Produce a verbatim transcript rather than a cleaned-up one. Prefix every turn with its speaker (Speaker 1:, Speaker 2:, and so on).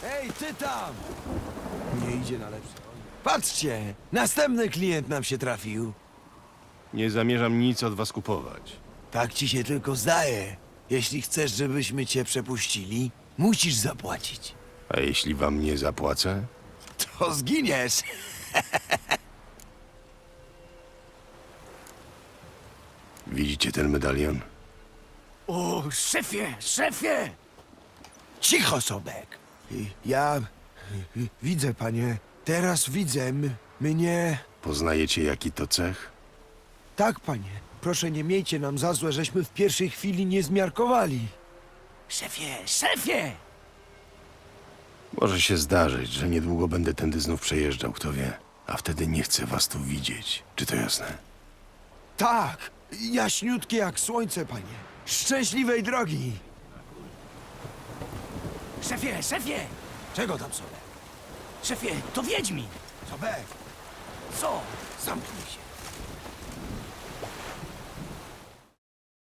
Speaker 1: Ej, ty tam! Nie idzie na lepsze. Patrzcie, następny klient nam się trafił.
Speaker 2: Nie zamierzam nic od was kupować.
Speaker 1: Tak ci się tylko zdaje. Jeśli chcesz, żebyśmy cię przepuścili, musisz zapłacić.
Speaker 2: A jeśli wam nie zapłacę?
Speaker 1: To zginiesz.
Speaker 2: Widzicie ten medalion?
Speaker 3: O, szefie, szefie!
Speaker 1: Cicho, Sobek. Ja widzę, panie. Teraz widzę. M- Mnie...
Speaker 2: Poznajecie jaki to cech?
Speaker 1: Tak, panie. Proszę, nie miejcie nam za złe, żeśmy w pierwszej chwili nie zmiarkowali.
Speaker 3: Szefie, szefie!
Speaker 2: Może się zdarzyć, że niedługo będę tędy znów przejeżdżał, kto wie. A wtedy nie chcę was tu widzieć. Czy to jasne?
Speaker 1: Tak, jaśniutkie jak słońce, panie. Szczęśliwej drogi.
Speaker 3: Szefie, szefie!
Speaker 1: Czego tam, Sobek?
Speaker 3: Szefie, to Wiedźmin!
Speaker 1: Sobek,
Speaker 3: Co?
Speaker 1: zamknij się.